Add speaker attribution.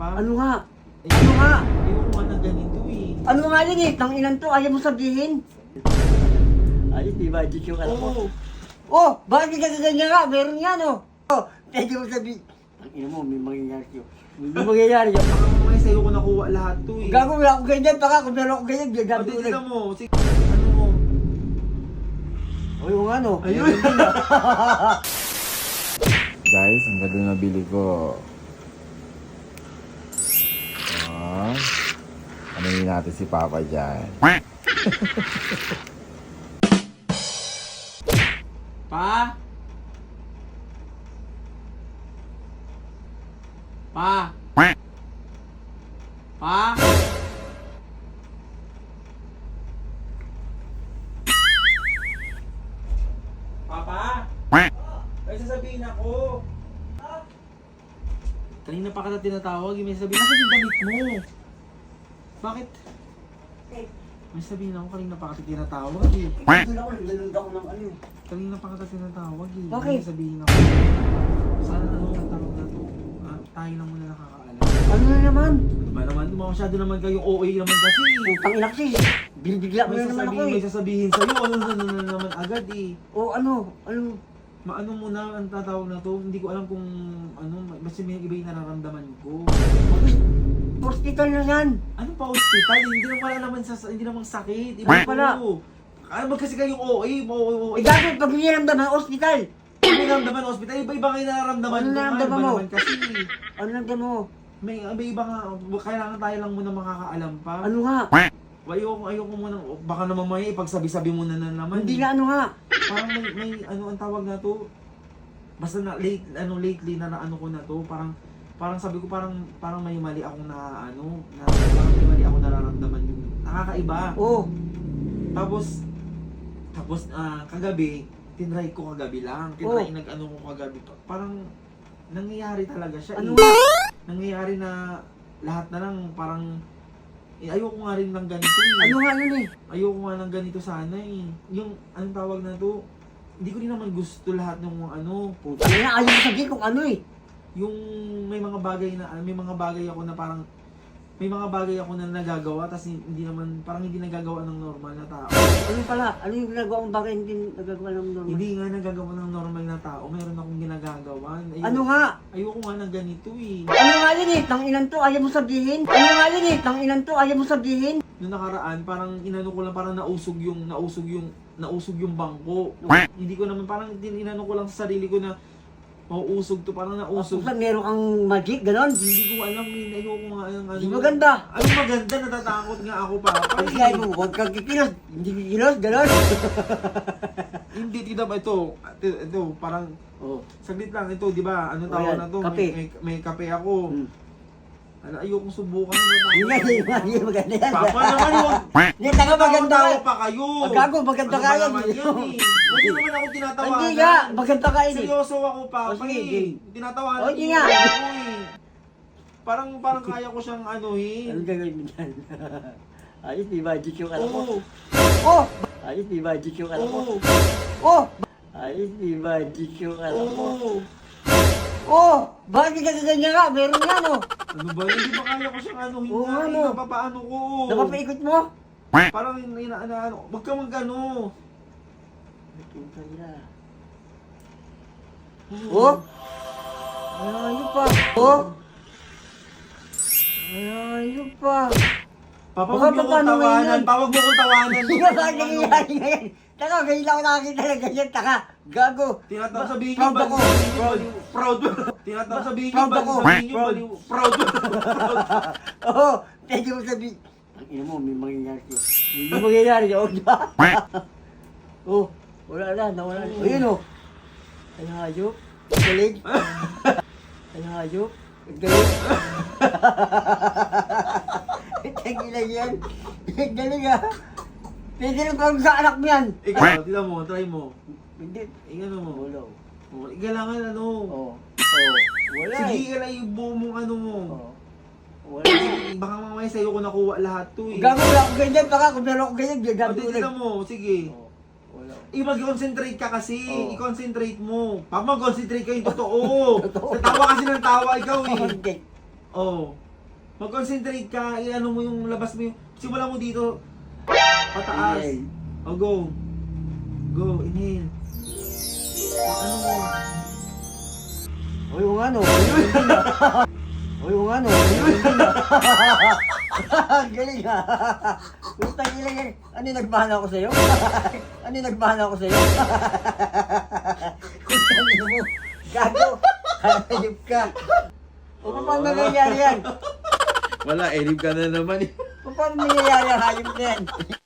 Speaker 1: pa?
Speaker 2: Ano nga?
Speaker 1: Eh,
Speaker 2: Ano nga?
Speaker 1: ayoko nga ng ganito eh.
Speaker 2: Ano nga yun eh? Tanginan to, ayaw mo sabihin. Ayos, di ba? Diyos yung alam mo.
Speaker 1: Oo.
Speaker 2: Oh, bakit ka ganyan nga? Meron yan oh. Oh, pwede mo sabihin. Ang ina mo, may mangyayari yun. May mangyayari yun.
Speaker 1: Baka mamaya sa'yo ko nakuha lahat to eh.
Speaker 2: Gago, wala ako ganyan. Baka kung meron ako ganyan,
Speaker 1: O,
Speaker 2: gago
Speaker 1: di,
Speaker 2: ulit.
Speaker 1: tignan mo. Sige, ano mo?
Speaker 2: O yung ano?
Speaker 1: Ayun.
Speaker 3: Guys, ang ganda na bili ko. Ah, ano yun natin si Papa dyan?
Speaker 1: Pa? Pa? Pa? Papa? Ay, sasabihin ako. Kanina pa kita tinatawag, may sabihin. Nasa yung damit mo? Bakit? May sabihin ako, kanina pa kita tinatawag eh.
Speaker 2: Doon ako, naglalanda ko ng ano.
Speaker 1: Kanina pa kita tinatawag eh.
Speaker 2: Bakit?
Speaker 1: May sabihin ako. Sana ano ang tanong na to? Ah, tayo lang muna nakakaalam.
Speaker 2: Ano na naman?
Speaker 1: Diba naman, masyado naman kayong OA naman kasi.
Speaker 2: Putang ina kasi. Binibigla mo
Speaker 1: May
Speaker 2: na naman ako
Speaker 1: sasabihin, may
Speaker 2: eh.
Speaker 1: sasabihin sa'yo, ano na naman agad eh.
Speaker 2: O ano? Ano?
Speaker 1: Maano muna ang tatawag na to, hindi ko alam kung ano, basta may iba yung nararamdaman ko.
Speaker 2: Hospital na yan.
Speaker 1: Ano pa hospital? Hindi naman wala naman hindi naman sakit. Iba
Speaker 2: Wala.
Speaker 1: ko. Ano ba kasi kayong OA?
Speaker 2: Eh gago, pag hiniramdaman, hospital.
Speaker 1: Ano nararamdaman hospital? Iba-iba kayo nararamdaman
Speaker 2: Ano
Speaker 1: ko.
Speaker 2: nararamdaman
Speaker 1: Iba
Speaker 2: mo?
Speaker 1: naman kasi.
Speaker 2: Ano nagda mo?
Speaker 1: May iba nga, kailangan tayo lang muna makakaalam pa.
Speaker 2: Ano nga?
Speaker 1: Ayoko muna, baka naman may ipagsabi-sabi mo na naman.
Speaker 2: Hindi nga ano nga.
Speaker 1: Parang may ano ang tawag na to. Basta na lately na ano ko na to, parang sabi ko parang may mali akong parang may mali akong nararamdaman yung nakakaiba.
Speaker 2: Oo.
Speaker 1: Tapos kagabi, tinry ko kagabi lang. Nag-ano ko kagabi. Parang nangyayari talaga siya.
Speaker 2: Ano
Speaker 1: eh.
Speaker 2: nga?
Speaker 1: Nangyayari na lahat na lang parang ayoko nga rin ng ganito eh.
Speaker 2: Ano nga yun eh?
Speaker 1: Ayoko nga ng ganito sana eh. Yung anong tawag na to, hindi ko rin naman gusto lahat ng mga ano.
Speaker 2: Putang ina, ayaw mo sabihin kung ano eh.
Speaker 1: Yung may mga bagay ako na parang may mga bagay ako na nagagawa tas hindi nagagawa ng normal na tao.
Speaker 2: Ano pala? Ano yung ginagawa mong bagay hindi nagagawa ng normal?
Speaker 1: Hindi nga nagagawa ng normal na tao. Meron akong ginagagawa.
Speaker 2: Ano nga?
Speaker 1: Ayoko nga ng ganito eh.
Speaker 2: Ano nga yun eh? Tanginan to, ayaw mo sabihin. Ano nga yun eh? Tanginan to, ayaw mo sabihin.
Speaker 1: Noong nakaraan, parang inano ko lang, parang nausog yung bangko. Hindi ko naman, parang inano ko lang sa sarili ko na mauusog to, parang nausog.
Speaker 2: Kung meron kang magic, ganon.
Speaker 1: Hindi ko alam eh, ayoko nga ang ano.
Speaker 2: Di maganda.
Speaker 1: Anong maganda? Natatakot nga ako pa.
Speaker 2: Pag kaya mo, huwag kang kikilos. Hindi kikilos, ganon.
Speaker 1: Hindi, tita ba ito, parang,
Speaker 2: Oh.
Speaker 1: saglit lang ito, di ba? Anong tawag
Speaker 2: yan,
Speaker 1: na to?
Speaker 2: kape.
Speaker 1: May kape ako.
Speaker 2: Hmm.
Speaker 1: Ano, ayokong subukan.
Speaker 2: Hindi nga, hindi maganda yan.
Speaker 1: Papa naman yun.
Speaker 2: Hindi, taga maganda
Speaker 1: Tao
Speaker 2: ka.
Speaker 1: pa kayo.
Speaker 2: Gago, maganda
Speaker 1: Ano
Speaker 2: ka
Speaker 1: ba
Speaker 2: yan.
Speaker 1: naman yan eh? Huwag niyo naman ako tinatawanan.
Speaker 2: Hindi nga, maganda ka yun eh.
Speaker 1: Seryoso ako, Papa.
Speaker 2: O, sige,
Speaker 1: eh.
Speaker 2: game.
Speaker 1: Tinatawanan
Speaker 2: O, hindi
Speaker 1: niyo
Speaker 2: nga.
Speaker 1: ako eh. Parang kaya ko siyang anuhin.
Speaker 2: Anong gagawin mo dyan? Ayos, di magic yung alam mo.
Speaker 1: Oo.
Speaker 2: Oh! Ayos, di magic yung alam mo.
Speaker 1: Oo.
Speaker 2: Oh! Ayos, di magic yung alam mo.
Speaker 1: Oo.
Speaker 2: Oh! Bakit ka ganyan nga? Meron yan oh.
Speaker 1: Ano ba yun? Di ba kaya ko siyang anuhin
Speaker 2: Oo,
Speaker 1: nga?
Speaker 2: ano?
Speaker 1: Napapaano ko.
Speaker 2: Napapaikot mo?
Speaker 1: Parang inaano. Huwag ka mag-ano.
Speaker 2: Puta nila. Oh! Ayaw pa. Oh! Ayaw pa.
Speaker 1: Papa,
Speaker 2: Baka
Speaker 1: huwag mo kong
Speaker 2: paano
Speaker 1: tawanan.
Speaker 2: ngayon?
Speaker 1: Pa, huwag mo kong tawanan.
Speaker 2: Hindi ba bakit nangyayari ngayon? Taka, ngayon lang ako nakakita ng ganyan. Taka, gago.
Speaker 1: Tinatawag sabihin
Speaker 2: Proud
Speaker 1: niyo,
Speaker 2: ako.
Speaker 1: baliw. Proud. Tinatawag sabihin niyo,
Speaker 2: Proud ako.
Speaker 1: sabihin niyo,
Speaker 2: Proud.
Speaker 1: baliw. Proud.
Speaker 2: Oo, pwede mo sabihin. Ang ina mo, may mangyayari yun. Hindi mangyayari yun, di ba? Oh, wala na, nawala na. Ayun oh. Ay hayop. Ang galing. Ay hayop. Ang galing. Tagilan yan. Ang galing ah. Pwede rin pang sa anak mo yan.
Speaker 1: Ikaw, tila mo, try mo.
Speaker 2: Hindi.
Speaker 1: Ingano mo.
Speaker 2: Wala.
Speaker 1: Igalangan ano.
Speaker 2: Oo. Oo. Wala
Speaker 1: Sige,
Speaker 2: eh.
Speaker 1: ikala yung buo mong ano mo.
Speaker 2: Oo. Wala eh.
Speaker 1: Baka mamaya sa'yo ko nakuha lahat to eh.
Speaker 2: Gago, wala akong ganyan. Baka kung meron akong ganyan,
Speaker 1: O,
Speaker 2: gago
Speaker 1: di,
Speaker 2: ulit.
Speaker 1: tila mo, sige.
Speaker 2: Oo. Wala.
Speaker 1: Mag-concentrate ka kasi.
Speaker 2: Oo.
Speaker 1: I-concentrate mo. Pag mag-concentrate ka yung totoo.
Speaker 2: Totoo.
Speaker 1: Tatawa kasi ng tawa ikaw eh.
Speaker 2: Hindi.
Speaker 1: Oh. Mag-concentrate ka, i-ano mo yung labas mo yung, simula mo dito, pataas.
Speaker 2: Inhale.
Speaker 1: O, go. Go, inhale. Ano mo?
Speaker 2: O yung ano, o yung ano, galing ha. Putang ina yan. Ano yung nagmahal ako sa'yo? Ano yung nagmahal ako sa'yo? Putang ina mo. Gago. Hayop ka. O paano nangyayari yan?
Speaker 1: Wala, erib ka na naman eh.
Speaker 2: Paano nangyayari ang hayop na yan?